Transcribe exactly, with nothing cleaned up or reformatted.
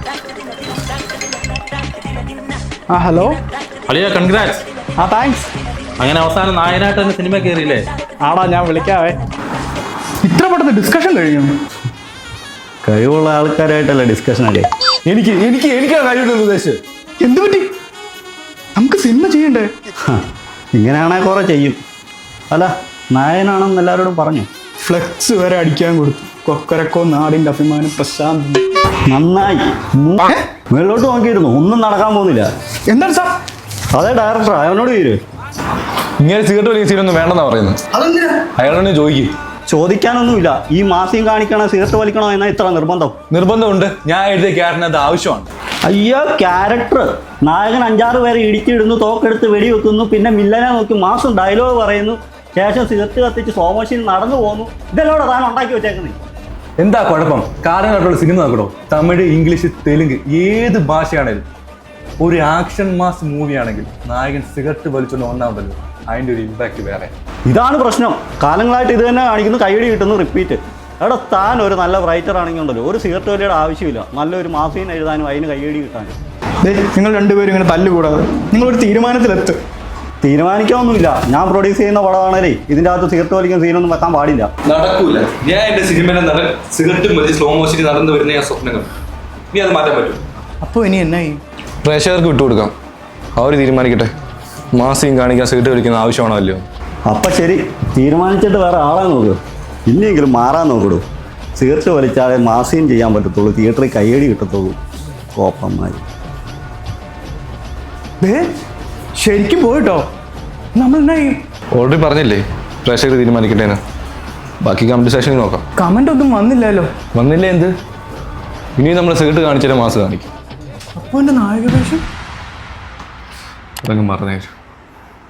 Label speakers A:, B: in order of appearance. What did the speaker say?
A: ആ ഹലോ
B: അളിയ കൺഗ്രാറ്റ്സ്.
A: ആ താങ്ക്സ്.
B: അങ്ങനെ അവസാനം നായനായിട്ട് തന്നെ സിനിമ കയറിയില്ലേ?
A: ആടാ ഞാൻ വിളിക്കാവേ. ഇത്ര പെട്ടെന്ന് ഡിസ്കഷൻ കഴിഞ്ഞു?
C: കഴിവുള്ള ആൾക്കാരായിട്ടല്ല ഡിസ്കഷൻ അല്ലേ?
A: എനിക്ക് എനിക്ക് എനിക്കാണ് കഴിവുള്ള ഉദ്ദേശിച്ചത്. എന്ത് പറ്റി? നമുക്ക് സിനിമ ചെയ്യണ്ടേ?
C: ഇങ്ങനെയാണെങ്കിൽ കുറെ ചെയ്യും. അല്ല നായനാണെന്ന് എല്ലാവരോടും പറഞ്ഞു.
A: ഫ്ലെക്സ് വരെ അടിക്കാൻ കൊടുത്തു. കൊക്കരക്കോ നാടിന്റെ അഭിമാനം പ്രശാന്ത്.
C: നന്നായി. മേളിലോട്ട് നോക്കിയിരുന്നു, ഒന്നും നടക്കാൻ പോകുന്നില്ല.
A: എന്താണ് സാർ?
C: അതെ ഡയറക്ടർ, അവനോട് തീര്.
D: ഇങ്ങനെ സിഗരറ്റ് വലിയ സീനൊന്നും വേണ്ടെന്നാ പറയുന്നത്. അയാളോട് ചോദിക്കും.
C: ചോദിക്കാനൊന്നുമില്ല. ഈ മാസികം കാണിക്കണോ സിഗരറ്റ് വലിക്കണോ എന്നാ ഇത്ര നിർബന്ധം?
D: നിർബന്ധമുണ്ട്. ഞാൻ എഴുതിയ ക്യാരറ്റിന് അത് ആവശ്യമാണ്.
C: അയ്യോ ക്യാരക്ടർ. നായകൻ അഞ്ചാറ് പേരെ ഇടിച്ചിടുന്നു, തോക്കെടുത്ത് വെടിവെക്കുന്നു, പിന്നെ മില്ലനെ നോക്കി മാസം ഡയലോഗ് പറയുന്നു, ശേഷം സിഗരറ്റ് കത്തിച്ച് സ്ലോ മോഷനിൽ നടന്നു പോകുന്നു. ഇതെല്ലാം താൻ ഉണ്ടാക്കി വെച്ചേക്കുന്നത്.
D: എന്താ കുഴപ്പം? കാലങ്ങളായിട്ടുള്ള സിനിമ നോക്കണോ? തമിഴ്, ഇംഗ്ലീഷ്, തെലുങ്ക്, ഏത് ഭാഷയാണേലും ഒരു ആക്ഷൻ മാസ് മൂവി ആണെങ്കിൽ നായകൻ സിഗരറ്റ് വലിച്ചുകൊണ്ട് ഒന്നാമതല്ലോ, അതിൻ്റെ ഒരു ഇമ്പാക്ട് വേറെ.
C: ഇതാണ് പ്രശ്നം. കാലങ്ങളായിട്ട് ഇത് തന്നെ കാണിക്കുന്നു, കൈയടി കിട്ടുന്നു, റിപ്പീറ്റ്. അവിടെ താൻ ഒരു നല്ല റൈറ്റർ ആണെങ്കിൽ ഉണ്ടല്ലോ, ഒരു സിഗരറ്റ് വലിയുടെ ആവശ്യമില്ല. നല്ലൊരു മാസികം എഴുതാനും അതിന് കൈയടി കിട്ടാനും.
A: നിങ്ങൾ രണ്ടുപേരും ഇങ്ങനെ തല്ലുകൂടാതെ നിങ്ങളൊരു തീരുമാനത്തിലെത്തും.
D: തീരുമാനിക്കാനൊന്നുമില്ല. ഞാൻ പ്രൊഡ്യൂസ് ചെയ്യുന്ന പടമാണല്ലേ, ഇതിൻ്റെ അകത്ത് സിഗരറ്റ് വലിക്കുന്ന സീനൊന്നും വെക്കാൻ പാടില്ല.
E: നടക്കൂല. ഞാൻ എന്റെ സിനിമയിലെ നടൻ സിഗരറ്റും വലിയ സ്ലോ മോഷനിൽ നടന്നു വരുന്ന ഞാൻ സ്വപ്നങ്ങൾ. നീ അത് മാറ്റാൻ പറ്റും?
A: അപ്പോൾ ഇനി എന്നായി?
D: പ്രേക്ഷകർക്ക് വിട്ടുകൊടുക്കാം, അവർ തീരുമാനിക്കട്ടെ. മാസികം കാണിക്കാൻ സിഗരറ്റ് വലിക്കുന്ന ആവശ്യമാണോ അല്ലയോ?
C: അപ്പം ശരി, തീരുമാനിച്ചിട്ട് വേറെ ആളെ നോക്കൂ. ഇനിയെങ്കിലും മാറാൻ നോക്കൂ. സിഗരറ്റ് വലിച്ചാലേ മാസികം ചെയ്യാൻ പറ്റത്തുള്ളൂ, തിയേറ്ററിൽ കയ്യടി കിട്ടത്തുള്ളൂ. കോപ്പന്മാർ
A: ശരിക്കും പോയിട്ടോ? നമ്മൾ എന്നാ ചെയ്യും?
D: ഓൾറെഡി പറഞ്ഞില്ലേ, പ്രേക്ഷകർ തീരുമാനിക്കട്ടേന്ന്. ബാക്കി കമന്റ് സെക്ഷനിൽ നോക്കാം.
A: കമന്റ് ഒന്നും വന്നില്ലല്ലോ.
D: വന്നില്ലേ എന്ത്? ഇനി നമ്മൾ സിഗരറ്റ് കാണിച്ചാലേ മാസ് കാണിക്കും.
A: അപ്പോൾ എൻ്റെ നായക വേഷം
D: അതങ്ങ് മറന്നേച്ചു.